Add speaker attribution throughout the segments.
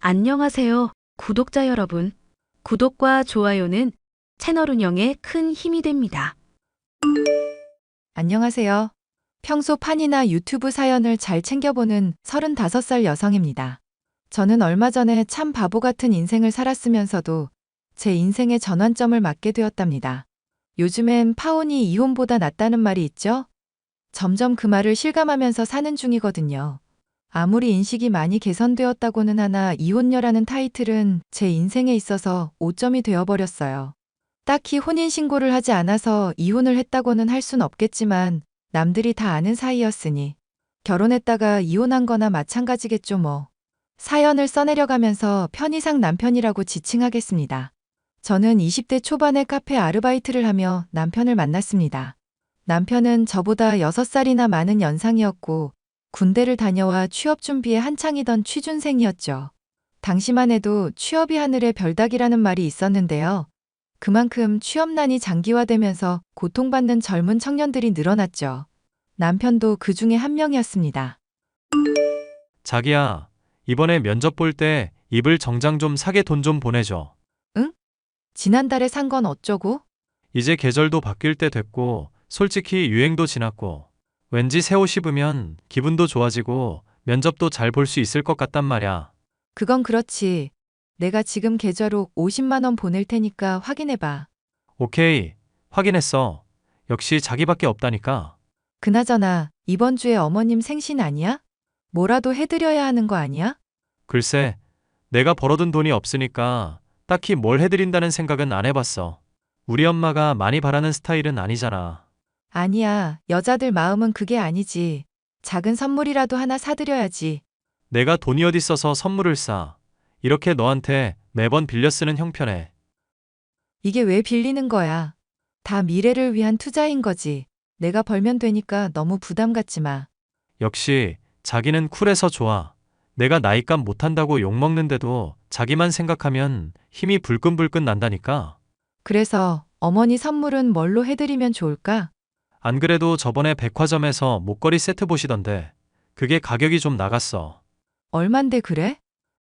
Speaker 1: 안녕하세요, 구독자 여러분. 구독과 좋아요는 채널 운영에 큰 힘이 됩니다.
Speaker 2: 안녕하세요. 평소 판이나 유튜브 사연을 잘 챙겨보는 35살 여성입니다. 저는 얼마 전에 참 바보 같은 인생을 살았으면서도 제 인생의 전환점을 맞게 되었답니다. 요즘엔 파혼이 이혼보다 낫다는 말이 있죠? 점점 그 말을 실감하면서 사는 중이거든요. 아무리 인식이 많이 개선되었다고는 하나 이혼녀라는 타이틀은 제 인생에 있어서 오점이 되어버렸어요. 딱히 혼인신고를 하지 않아서 이혼을 했다고는 할 순 없겠지만 남들이 다 아는 사이였으니 결혼했다가 이혼한 거나 마찬가지겠죠 뭐. 사연을 써내려가면서 편의상 남편이라고 지칭하겠습니다. 저는 20대 초반에 카페 아르바이트를 하며 남편을 만났습니다. 남편은 저보다 6살이나 많은 연상이었고 군대를 다녀와 취업 준비에 한창이던 취준생이었죠. 당시만 해도 취업이 하늘의 별따기라는 말이 있었는데요. 그만큼 취업난이 장기화되면서 고통받는 젊은 청년들이 늘어났죠. 남편도 그 중에 한 명이었습니다.
Speaker 3: 자기야, 이번에 면접 볼 때 이불 정장 좀 사게 돈 좀 보내줘.
Speaker 2: 응? 지난달에 산 건 어쩌고?
Speaker 3: 이제 계절도 바뀔 때 됐고, 솔직히 유행도 지났고, 왠지 새 옷 입으면 기분도 좋아지고 면접도 잘 볼 수 있을 것 같단 말야.
Speaker 2: 그건 그렇지. 내가 지금 계좌로 50만 원 보낼 테니까 확인해봐.
Speaker 3: 오케이, 확인했어. 역시 자기밖에 없다니까.
Speaker 2: 그나저나 이번 주에 어머님 생신 아니야? 뭐라도 해드려야 하는 거 아니야?
Speaker 3: 글쎄, 내가 벌어둔 돈이 없으니까 딱히 뭘 해드린다는 생각은 안 해봤어. 우리 엄마가 많이 바라는 스타일은 아니잖아.
Speaker 2: 아니야. 여자들 마음은 그게 아니지. 작은 선물이라도 하나 사드려야지.
Speaker 3: 내가 돈이 어딨어서 선물을 싸. 이렇게 너한테 매번 빌려 쓰는 형편에.
Speaker 2: 이게 왜 빌리는 거야? 다 미래를 위한 투자인 거지. 내가 벌면 되니까 너무 부담 갖지 마.
Speaker 3: 역시 자기는 쿨해서 좋아. 내가 나이값 못한다고 욕먹는데도 자기만 생각하면 힘이 불끈불끈 난다니까.
Speaker 2: 그래서 어머니 선물은 뭘로 해드리면 좋을까?
Speaker 3: 안 그래도 저번에 백화점에서 목걸이 세트 보시던데 그게 가격이 좀 나갔어.
Speaker 2: 얼만데 그래?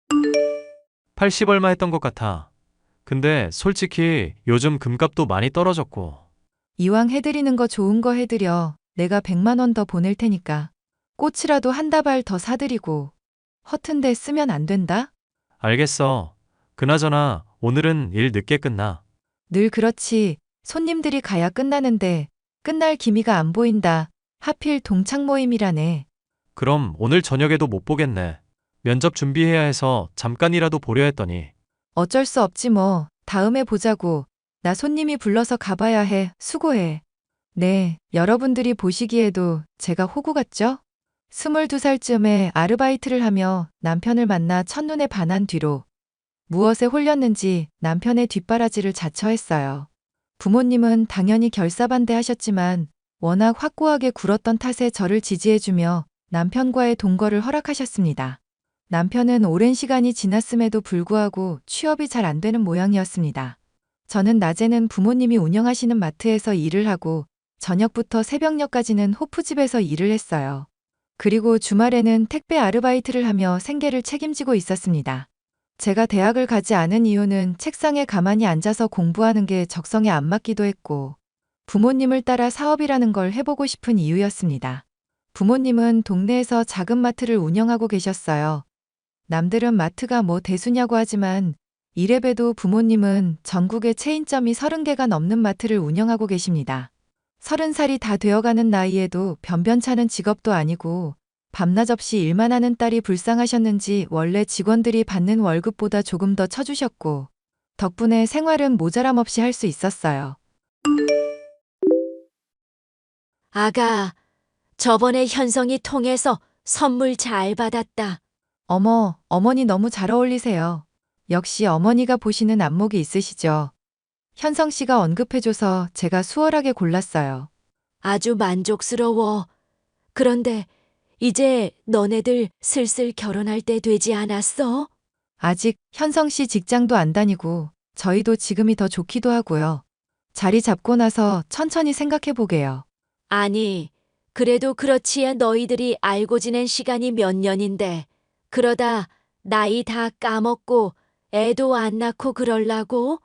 Speaker 3: 80 얼마 했던 것 같아. 근데 솔직히 요즘 금값도 많이 떨어졌고.
Speaker 2: 이왕 해드리는 거 좋은 거 해드려. 내가 100만 원 더 보낼 테니까. 꽃이라도 한 다발 더 사드리고. 허튼데 쓰면 안 된다?
Speaker 3: 알겠어. 그나저나 오늘은 일 늦게 끝나.
Speaker 2: 늘 그렇지. 손님들이 가야 끝나는데 끝날 기미가 안 보인다. 하필 동창 모임이라네.
Speaker 3: 그럼 오늘 저녁에도 못 보겠네. 면접 준비해야 해서 잠깐이라도 보려 했더니.
Speaker 2: 어쩔 수 없지 뭐. 다음에 보자고. 나 손님이 불러서 가봐야 해. 수고해. 네, 여러분들이 보시기에도 제가 호구 같죠? 22살쯤에 아르바이트를 하며 남편을 만나 첫눈에 반한 뒤로 무엇에 홀렸는지 남편의 뒷바라지를 자처했어요. 부모님은 당연히 결사반대하셨지만 워낙 확고하게 굴었던 탓에 저를 지지해주며 남편과의 동거를 허락하셨습니다. 남편은 오랜 시간이 지났음에도 불구하고 취업이 잘 안 되는 모양이었습니다. 저는 낮에는 부모님이 운영하시는 마트에서 일을 하고 저녁부터 새벽녘까지는 호프집에서 일을 했어요. 그리고 주말에는 택배 아르바이트를 하며 생계를 책임지고 있었습니다. 제가 대학을 가지 않은 이유는 책상에 가만히 앉아서 공부하는 게 적성에 안 맞기도 했고 부모님을 따라 사업이라는 걸 해보고 싶은 이유였습니다. 부모님은 동네에서 작은 마트를 운영하고 계셨어요. 남들은 마트가 뭐 대수냐고 하지만 이래봬도 부모님은 전국에 체인점이 30개가 넘는 마트를 운영하고 계십니다. 30살이 다 되어가는 나이에도 변변찮은 직업도 아니고 밤낮 없이 일만 하는 딸이 불쌍하셨는지 원래 직원들이 받는 월급보다 조금 더 쳐주셨고 덕분에 생활은 모자람 없이 할 수 있었어요.
Speaker 4: 아가, 저번에 현성이 통해서 선물 잘 받았다.
Speaker 2: 어머, 어머니 너무 잘 어울리세요. 역시 어머니가 보시는 안목이 있으시죠. 현성 씨가 언급해줘서 제가 수월하게 골랐어요.
Speaker 4: 아주 만족스러워. 그런데 이제 너네들 슬슬 결혼할 때 되지 않았어?
Speaker 2: 아직 현성 씨 직장도 안 다니고 저희도 지금이 더 좋기도 하고요. 자리 잡고 나서 천천히 생각해 보게요.
Speaker 4: 아니, 그래도 그렇지야 너희들이 알고 지낸 시간이 몇 년인데. 그러다 나이 다 까먹고 애도 안 낳고 그럴라고?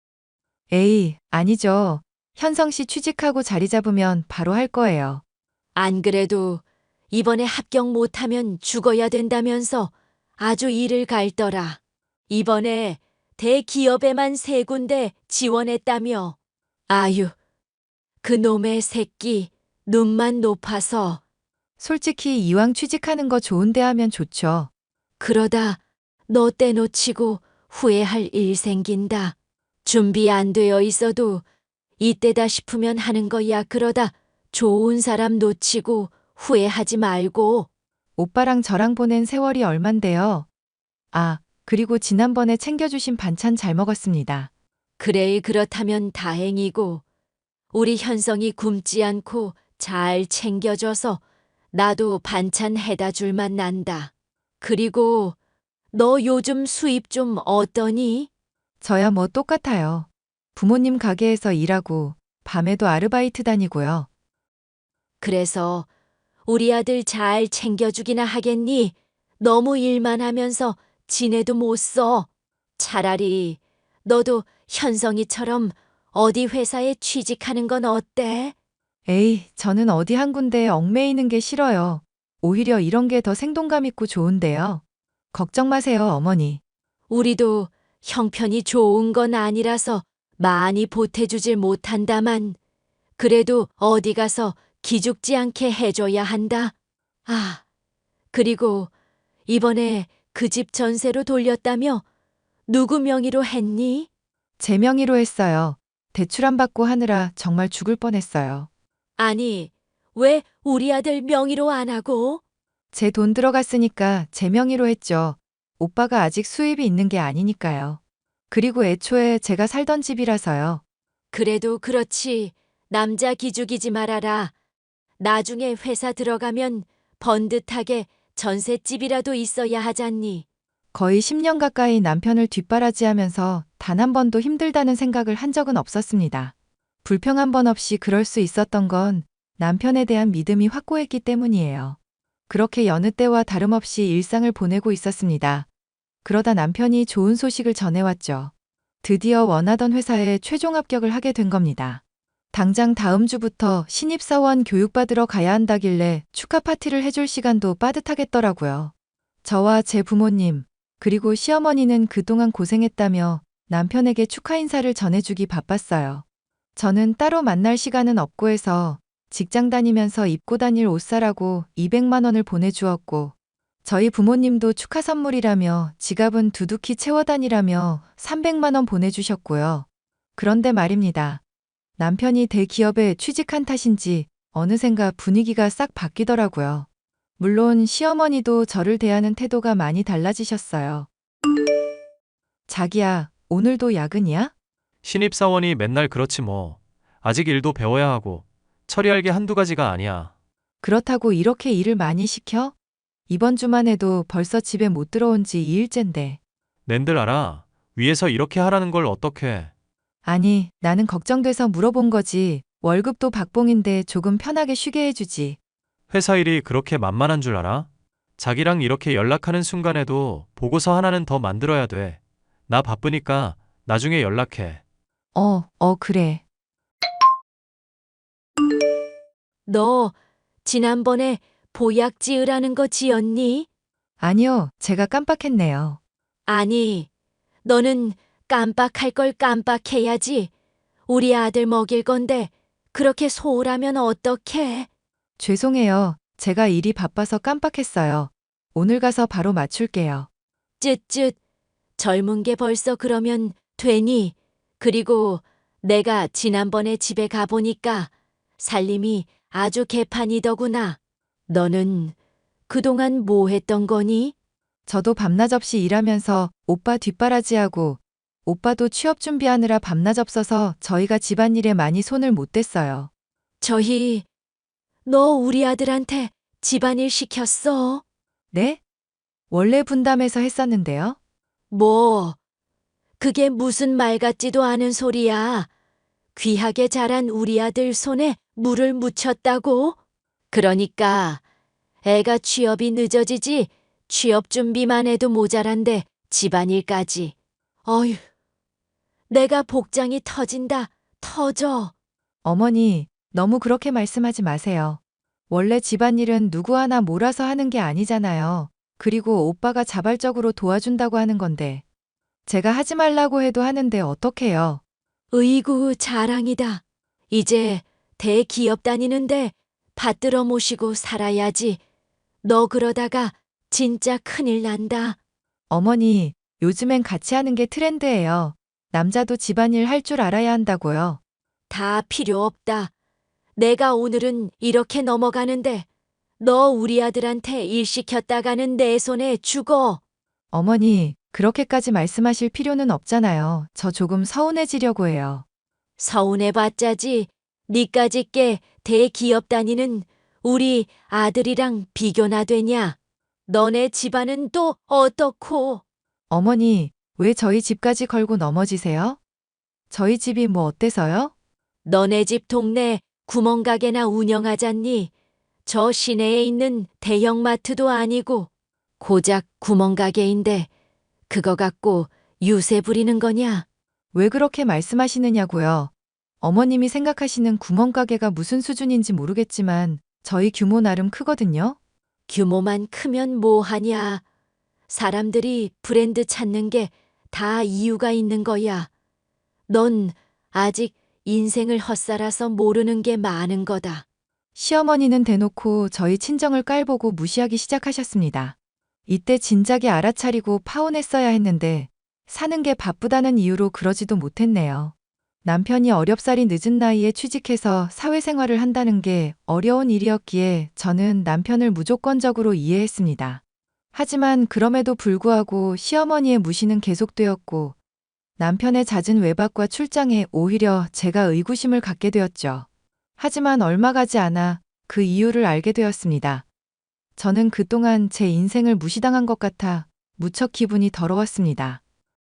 Speaker 2: 에이, 아니죠. 현성 씨 취직하고 자리 잡으면 바로 할 거예요.
Speaker 4: 안 그래도 이번에 합격 못하면 죽어야 된다면서 아주 이를 갈더라. 이번에 대기업에만 3군데 지원했다며. 아유, 그 놈의 새끼 눈만 높아서
Speaker 2: 솔직히 이왕 취직하는 거 좋은데 하면 좋죠.
Speaker 4: 그러다 너 떼놓치고 후회할 일 생긴다. 준비 안 되어 있어도 이때다 싶으면 하는 거야. 그러다 좋은 사람 놓치고 후회하지 말고.
Speaker 2: 오빠랑 저랑 보낸 세월이 얼만데요. 아, 그리고 지난번에 챙겨주신 반찬 잘 먹었습니다.
Speaker 4: 그래, 그렇다면 다행이고 우리 현성이 굶지 않고 잘 챙겨줘서 나도 반찬 해다 줄만 난다. 그리고 너 요즘 수입 좀 어떠니?
Speaker 2: 저야 뭐 똑같아요. 부모님 가게에서 일하고 밤에도 아르바이트 다니고요.
Speaker 4: 그래서 우리 아들 잘 챙겨주기나 하겠니? 너무 일만 하면서 지내도 못 써. 차라리 너도 현성이처럼 어디 회사에 취직하는 건 어때?
Speaker 2: 에이, 저는 어디 한 군데에 얽매이는 게 싫어요. 오히려 이런 게 더 생동감 있고 좋은데요. 걱정 마세요, 어머니.
Speaker 4: 우리도 형편이 좋은 건 아니라서 많이 보태주질 못한다만 그래도 어디 가서 기죽지 않게 해줘야 한다. 아, 그리고 이번에 그 집 전세로 돌렸다며 누구 명의로 했니?
Speaker 2: 제 명의로 했어요. 대출 안 받고 하느라 정말 죽을 뻔했어요.
Speaker 4: 아니, 왜 우리 아들 명의로 안 하고?
Speaker 2: 제 돈 들어갔으니까 제 명의로 했죠. 오빠가 아직 수입이 있는 게 아니니까요. 그리고 애초에 제가 살던 집이라서요.
Speaker 4: 그래도 그렇지. 남자 기죽이지 말아라. 나중에 회사 들어가면 번듯하게 전셋집이라도 있어야 하잖니.
Speaker 2: 거의 10년 가까이 남편을 뒷바라지하면서 단 한 번도 힘들다는 생각을 한 적은 없었습니다. 불평 한 번 없이 그럴 수 있었던 건 남편에 대한 믿음이 확고했기 때문이에요. 그렇게 여느 때와 다름없이 일상을 보내고 있었습니다. 그러다 남편이 좋은 소식을 전해왔죠. 드디어 원하던 회사에 최종 합격을 하게 된 겁니다. 당장 다음 주부터 신입사원 교육받으러 가야 한다길래 축하 파티를 해줄 시간도 빠듯하겠더라고요. 저와 제 부모님, 그리고 시어머니는 그동안 고생했다며 남편에게 축하 인사를 전해주기 바빴어요. 저는 따로 만날 시간은 없고 해서 직장 다니면서 입고 다닐 옷 사라고 200만 원을 보내주었고, 저희 부모님도 축하 선물이라며 지갑은 두둑히 채워 다니라며 300만 원 보내주셨고요. 그런데 말입니다. 남편이 대기업에 취직한 탓인지 어느샌가 분위기가 싹 바뀌더라고요. 물론 시어머니도 저를 대하는 태도가 많이 달라지셨어요. 자기야, 오늘도 야근이야?
Speaker 3: 신입사원이 맨날 그렇지 뭐. 아직 일도 배워야 하고 처리할 게 한두 가지가 아니야.
Speaker 2: 그렇다고 이렇게 일을 많이 시켜? 이번 주만 해도 벌써 집에 못 들어온 지 2일째인데.
Speaker 3: 낸들 알아. 위에서 이렇게 하라는 걸 어떻게.
Speaker 2: 아니, 나는 걱정돼서 물어본 거지. 월급도 박봉인데 조금 편하게 쉬게 해주지.
Speaker 3: 회사 일이 그렇게 만만한 줄 알아? 자기랑 이렇게 연락하는 순간에도 보고서 하나는 더 만들어야 돼. 나 바쁘니까 나중에 연락해.
Speaker 2: 그래.
Speaker 4: 너 지난번에 보약 지으라는 거 지었니?
Speaker 2: 아니요, 제가 깜빡했네요.
Speaker 4: 아니, 너는 깜빡할 걸 깜빡해야지. 우리 아들 먹일 건데 그렇게 소홀하면 어떡해?
Speaker 2: 죄송해요. 제가 일이 바빠서 깜빡했어요. 오늘 가서 바로 맞출게요.
Speaker 4: 쯧쯧. 젊은 게 벌써 그러면 되니? 그리고 내가 지난번에 집에 가보니까 살림이 아주 개판이더구나. 너는 그동안 뭐 했던 거니?
Speaker 2: 저도 밤낮 없이 일하면서 오빠 뒷바라지하고 오빠도 취업 준비하느라 밤낮 없어서 저희가 집안일에 많이 손을 못 댔어요.
Speaker 4: 너 우리 아들한테 집안일 시켰어?
Speaker 2: 네? 원래 분담해서 했었는데요.
Speaker 4: 뭐, 그게 무슨 말 같지도 않은 소리야. 귀하게 자란 우리 아들 손에 물을 묻혔다고? 그러니까 애가 취업이 늦어지지 취업 준비만 해도 모자란데 집안일까지. 어휴, 내가 복장이 터진다. 터져.
Speaker 2: 어머니, 너무 그렇게 말씀하지 마세요. 원래 집안일은 누구 하나 몰아서 하는 게 아니잖아요. 그리고 오빠가 자발적으로 도와준다고 하는 건데. 제가 하지 말라고 해도 하는데 어떡해요?
Speaker 4: 으이구, 자랑이다. 이제 대기업 다니는데 받들어 모시고 살아야지. 너 그러다가 진짜 큰일 난다.
Speaker 2: 어머니, 요즘엔 같이 하는 게 트렌드예요. 남자도 집안일 할 줄 알아야 한다고요.
Speaker 4: 다 필요 없다. 내가 오늘은 이렇게 넘어가는데 너 우리 아들한테 일 시켰다가는 내 손에 죽어.
Speaker 2: 어머니, 그렇게까지 말씀하실 필요는 없잖아요. 저 조금 서운해지려고 해요.
Speaker 4: 서운해봤자지. 니까짓 게 대기업 다니는 우리 아들이랑 비교나 되냐? 너네 집안은 또 어떻고?
Speaker 2: 어머니, 왜 저희 집까지 걸고 넘어지세요? 저희 집이 뭐 어때서요?
Speaker 4: 너네 집 동네 구멍가게나 운영하잖니? 저 시내에 있는 대형마트도 아니고 고작 구멍가게인데 그거 갖고 유세 부리는 거냐?
Speaker 2: 왜 그렇게 말씀하시느냐고요. 어머님이 생각하시는 구멍가게가 무슨 수준인지 모르겠지만 저희 규모 나름 크거든요.
Speaker 4: 규모만 크면 뭐하냐? 사람들이 브랜드 찾는 게 다 이유가 있는 거야. 넌 아직 인생을 헛살아서 모르는 게 많은 거다.
Speaker 2: 시어머니는 대놓고 저희 친정을 깔보고 무시하기 시작하셨습니다. 이때 진작에 알아차리고 파혼했어야 했는데 사는 게 바쁘다는 이유로 그러지도 못했네요. 남편이 어렵사리 늦은 나이에 취직해서 사회생활을 한다는 게 어려운 일이었기에 저는 남편을 무조건적으로 이해했습니다. 하지만 그럼에도 불구하고 시어머니의 무시는 계속되었고 남편의 잦은 외박과 출장에 오히려 제가 의구심을 갖게 되었죠. 하지만 얼마 가지 않아 그 이유를 알게 되었습니다. 저는 그동안 제 인생을 무시당한 것 같아 무척 기분이 더러웠습니다.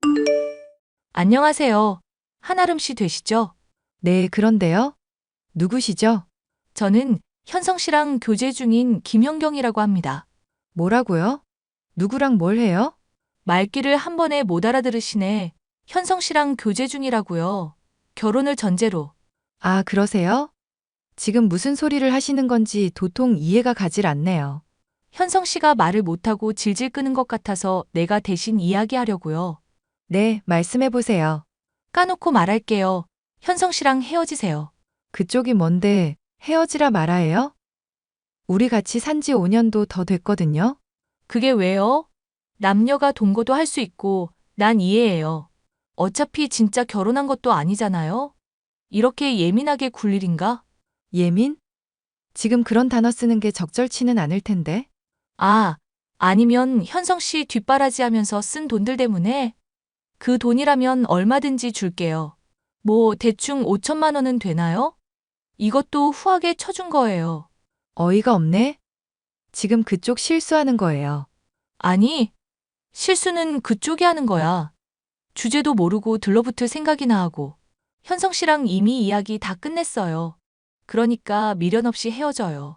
Speaker 5: 안녕하세요. 한아름 씨 되시죠?
Speaker 2: 네, 그런데요? 누구시죠?
Speaker 5: 저는 현성 씨랑 교제 중인 김현경이라고 합니다.
Speaker 2: 뭐라고요? 누구랑 뭘 해요?
Speaker 5: 말귀를 한 번에 못 알아들으시네. 현성 씨랑 교제 중이라고요. 결혼을 전제로.
Speaker 2: 아, 그러세요? 지금 무슨 소리를 하시는 건지 도통 이해가 가질 않네요.
Speaker 5: 현성 씨가 말을 못하고 질질 끄는 것 같아서 내가 대신 이야기하려고요.
Speaker 2: 네, 말씀해 보세요.
Speaker 5: 까놓고 말할게요. 현성 씨랑 헤어지세요.
Speaker 2: 그쪽이 뭔데 헤어지라 말아예요? 우리 같이 산지 5년도 더 됐거든요.
Speaker 5: 그게 왜요? 남녀가 동거도 할 수 있고 난 이해해요. 어차피 진짜 결혼한 것도 아니잖아요? 이렇게 예민하게 굴 일인가?
Speaker 2: 예민? 지금 그런 단어 쓰는 게 적절치는 않을 텐데.
Speaker 5: 아, 아니면 현성 씨 뒷바라지 하면서 쓴 돈들 때문에? 그 돈이라면 얼마든지 줄게요. 뭐 대충 5천만 원은 되나요? 이것도 후하게 쳐준 거예요.
Speaker 2: 어이가 없네? 지금 그쪽 실수하는 거예요.
Speaker 5: 아니, 실수는 그쪽이 하는 거야. 주제도 모르고 들러붙을 생각이나 하고. 현성 씨랑 이미 이야기 다 끝냈어요. 그러니까 미련 없이 헤어져요.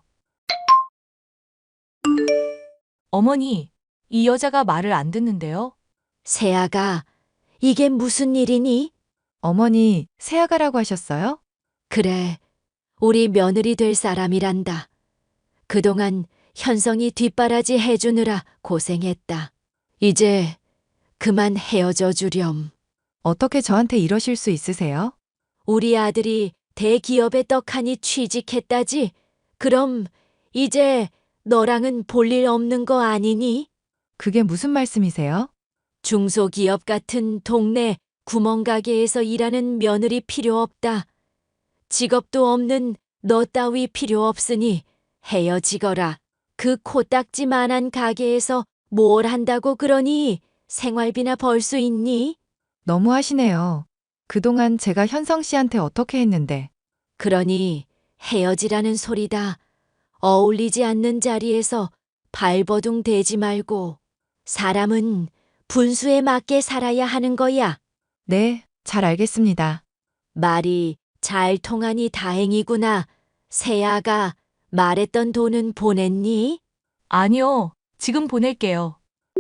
Speaker 5: 어머니, 이 여자가 말을 안 듣는데요?
Speaker 4: 세아가, 이게 무슨 일이니?
Speaker 2: 어머니, 새아가라고 하셨어요?
Speaker 4: 그래, 우리 며느리 될 사람이란다. 그동안 현성이 뒷바라지 해주느라 고생했다. 이제 그만 헤어져 주렴.
Speaker 2: 어떻게 저한테 이러실 수 있으세요?
Speaker 4: 우리 아들이 대기업에 떡하니 취직했다지? 그럼 이제 너랑은 볼 일 없는 거 아니니?
Speaker 2: 그게 무슨 말씀이세요?
Speaker 4: 중소기업 같은 동네 구멍가게에서 일하는 며느리 필요 없다. 직업도 없는 너 따위 필요 없으니 헤어지거라. 그 코딱지만한 가게에서 뭘 한다고 그러니? 생활비나 벌 수 있니?
Speaker 2: 너무 하시네요. 그동안 제가 현성 씨한테 어떻게 했는데.
Speaker 4: 그러니 헤어지라는 소리다. 어울리지 않는 자리에서 발버둥 대지 말고. 사람은 분수에 맞게 살아야 하는 거야.
Speaker 2: 네, 잘 알겠습니다.
Speaker 4: 말이 잘 통하니 다행이구나. 세아가 말했던 돈은 보냈니?
Speaker 5: 아니요. 지금 보낼게요.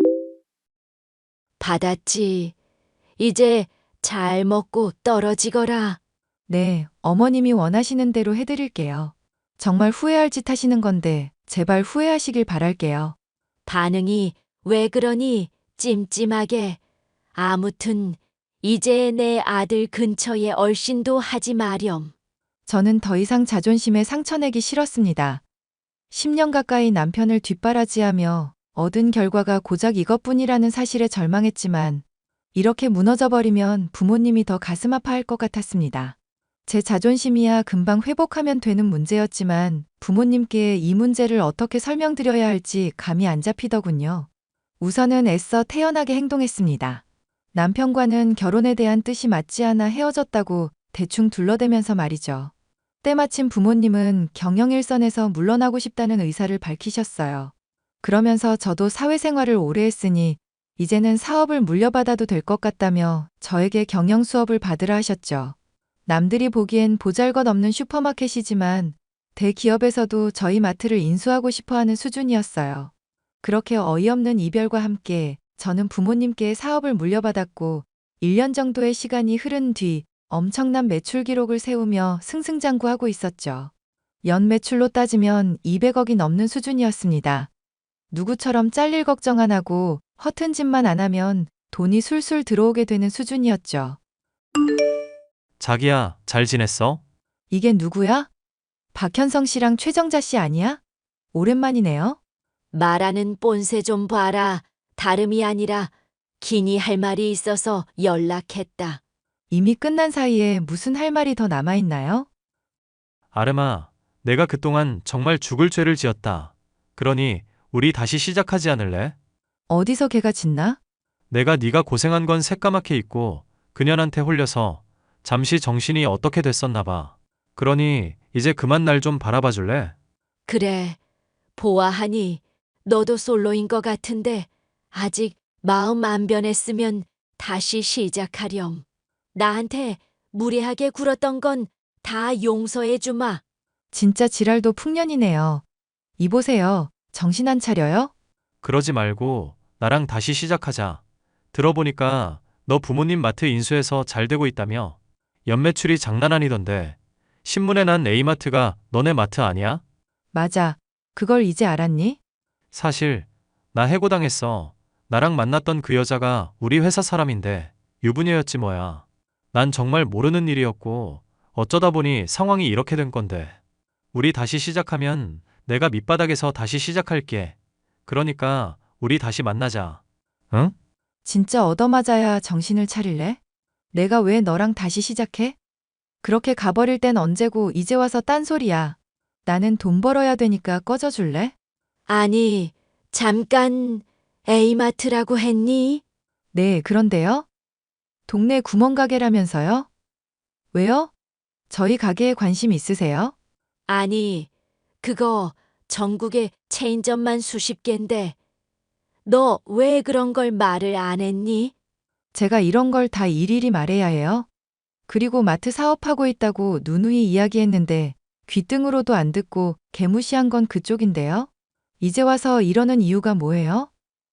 Speaker 4: 받았지. 이제 잘 먹고 떨어지거라.
Speaker 2: 네, 어머님이 원하시는 대로 해드릴게요. 정말 후회할 짓 하시는 건데 제발 후회하시길 바랄게요.
Speaker 4: 반응이 왜 그러니 찜찜하게. 아무튼 이제 내 아들 근처에 얼씬도 하지 마렴.
Speaker 2: 저는 더 이상 자존심에 상처 내기 싫었습니다. 10년 가까이 남편을 뒷바라지하며 얻은 결과가 고작 이것뿐이라는 사실에 절망했지만 이렇게 무너져 버리면 부모님이 더 가슴 아파할 것 같았습니다. 제 자존심이야 금방 회복하면 되는 문제였지만 부모님께 이 문제를 어떻게 설명드려야 할지 감이 안 잡히더군요. 우선은 애써 태연하게 행동했습니다. 남편과는 결혼에 대한 뜻이 맞지 않아 헤어졌다고 대충 둘러대면서 말이죠. 때마침 부모님은 경영일선에서 물러나고 싶다는 의사를 밝히셨어요. 그러면서 저도 사회생활을 오래 했으니 이제는 사업을 물려받아도 될 것 같다며 저에게 경영 수업을 받으라 하셨죠. 남들이 보기엔 보잘것없는 슈퍼마켓이지만 대기업에서도 저희 마트를 인수하고 싶어하는 수준이었어요. 그렇게 어이없는 이별과 함께 저는 부모님께 사업을 물려받았고 1년 정도의 시간이 흐른 뒤 엄청난 매출 기록을 세우며 승승장구하고 있었죠. 연 매출로 따지면 200억이 넘는 수준이었습니다. 누구처럼 잘릴 걱정 안 하고 허튼 짓만 안 하면 돈이 술술 들어오게 되는 수준이었죠.
Speaker 3: 자기야, 잘 지냈어?
Speaker 2: 이게 누구야? 박현성 씨랑 최정자 씨 아니야? 오랜만이네요.
Speaker 4: 말하는 뽐새 좀 봐라. 다름이 아니라 기니 할 말이 있어서 연락했다.
Speaker 2: 이미 끝난 사이에 무슨 할 말이 더 남아있나요?
Speaker 3: 아름아, 내가 그동안 정말 죽을 죄를 지었다. 그러니 우리 다시 시작하지 않을래?
Speaker 2: 어디서 개가 짖나?
Speaker 3: 내가 네가 고생한 건 새까맣게 잊고 그년한테 홀려서 잠시 정신이 어떻게 됐었나 봐. 그러니 이제 그만 날 좀 바라봐 줄래?
Speaker 4: 그래, 보아하니 너도 솔로인 것 같은데 아직 마음 안 변했으면 다시 시작하렴. 나한테 무례하게 굴었던 건 다 용서해 주마.
Speaker 2: 진짜 지랄도 풍년이네요. 이보세요. 정신 안 차려요?
Speaker 3: 그러지 말고 나랑 다시 시작하자. 들어보니까 너 부모님 마트 인수해서 잘 되고 있다며? 연매출이 장난 아니던데. 신문에 난 A마트가 너네 마트 아니야?
Speaker 2: 맞아. 그걸 이제 알았니?
Speaker 3: 사실 나 해고당했어. 나랑 만났던 그 여자가 우리 회사 사람인데 유부녀였지 뭐야. 난 정말 모르는 일이었고 어쩌다 보니 상황이 이렇게 된 건데. 우리 다시 시작하면 내가 밑바닥에서 다시 시작할게. 그러니까 우리 다시 만나자. 응?
Speaker 2: 진짜 얻어맞아야 정신을 차릴래? 내가 왜 너랑 다시 시작해? 그렇게 가버릴 땐 언제고 이제 와서 딴소리야. 나는 돈 벌어야 되니까 꺼져줄래?
Speaker 4: 아니, 잠깐 A마트라고 했니?
Speaker 2: 네, 그런데요? 동네 구멍가게라면서요? 왜요? 저희 가게에 관심 있으세요?
Speaker 4: 아니, 그거 전국에 체인점만 수십 갠데 너 왜 그런 걸 말을 안 했니?
Speaker 2: 제가 이런 걸 다 일일이 말해야 해요? 그리고 마트 사업하고 있다고 누누이 이야기했는데 귀등으로도 안 듣고 개무시한 건 그쪽인데요? 이제 와서 이러는 이유가 뭐예요?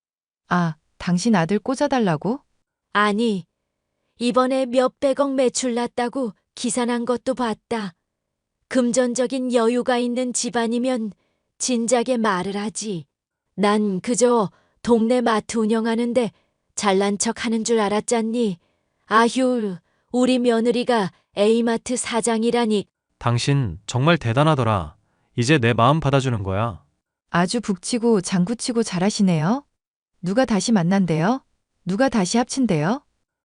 Speaker 2: 아, 당신 아들 꽂아달라고?
Speaker 4: 아니, 이번에 몇백억 매출 났다고 기사 난 것도 봤다. 금전적인 여유가 있는 집안이면 진작에 말을 하지. 난 그저 동네 마트 운영하는데 잘난 척 하는 줄 알았잖니. 아휴, 우리 며느리가 A마트 사장이라니.
Speaker 3: 당신 정말 대단하더라. 이제 내 마음 받아주는 거야.
Speaker 2: 아주 북치고 장구치고 잘하시네요. 누가 다시 만난대요? 누가 다시 합친대요?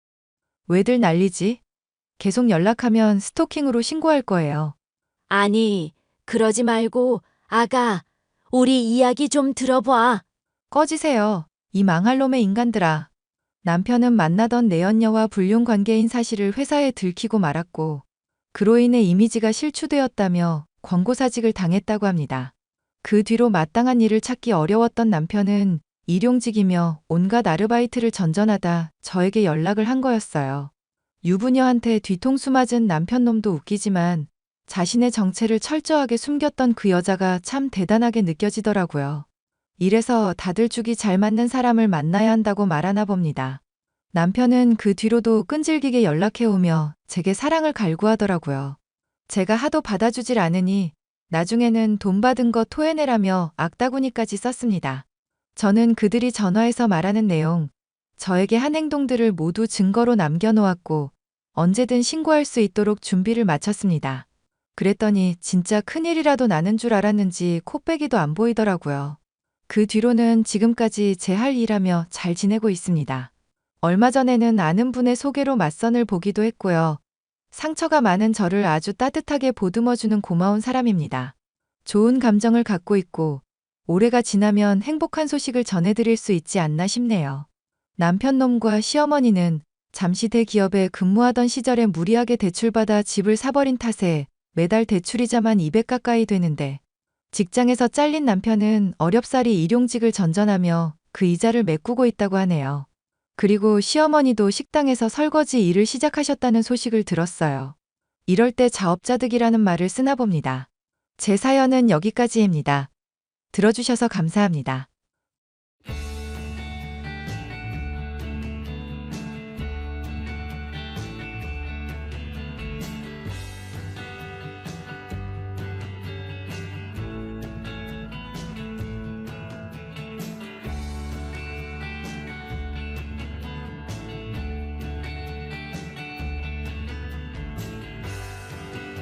Speaker 2: 왜들 난리지? 계속 연락하면 스토킹으로 신고할 거예요.
Speaker 4: 아니, 그러지 말고 아가, 우리 이야기 좀 들어봐.
Speaker 2: 꺼지세요. 이 망할 놈의 인간들아. 남편은 만나던 내연녀와 불륜 관계인 사실을 회사에 들키고 말았고 그로 인해 이미지가 실추되었다며 권고사직을 당했다고 합니다. 그 뒤로 마땅한 일을 찾기 어려웠던 남편은 일용직이며 온갖 아르바이트를 전전하다 저에게 연락을 한 거였어요. 유부녀한테 뒤통수 맞은 남편 놈도 웃기지만 자신의 정체를 철저하게 숨겼던 그 여자가 참 대단하게 느껴지더라고요. 이래서 다들 죽이 잘 맞는 사람을 만나야 한다고 말하나 봅니다. 남편은 그 뒤로도 끈질기게 연락해오며 제게 사랑을 갈구하더라고요. 제가 하도 받아주질 않으니 나중에는 돈 받은 거 토해내라며 악다구니까지 썼습니다. 저는 그들이 전화해서 말하는 내용, 저에게 한 행동들을 모두 증거로 남겨놓았고 언제든 신고할 수 있도록 준비를 마쳤습니다. 그랬더니 진짜 큰일이라도 나는 줄 알았는지 코빼기도 안 보이더라고요. 그 뒤로는 지금까지 제 할 일하며 잘 지내고 있습니다. 얼마 전에는 아는 분의 소개로 맞선을 보기도 했고요. 상처가 많은 저를 아주 따뜻하게 보듬어주는 고마운 사람입니다. 좋은 감정을 갖고 있고 올해가 지나면 행복한 소식을 전해드릴 수 있지 않나 싶네요. 남편 놈과 시어머니는 잠시 대기업에 근무하던 시절에 무리하게 대출받아 집을 사버린 탓에 매달 대출이자만 200 가까이 되는데 직장에서 잘린 남편은 어렵사리 일용직을 전전하며 그 이자를 메꾸고 있다고 하네요. 그리고 시어머니도 식당에서 설거지 일을 시작하셨다는 소식을 들었어요. 이럴 때 자업자득이라는 말을 쓰나 봅니다. 제 사연은 여기까지입니다. 들어주셔서 감사합니다.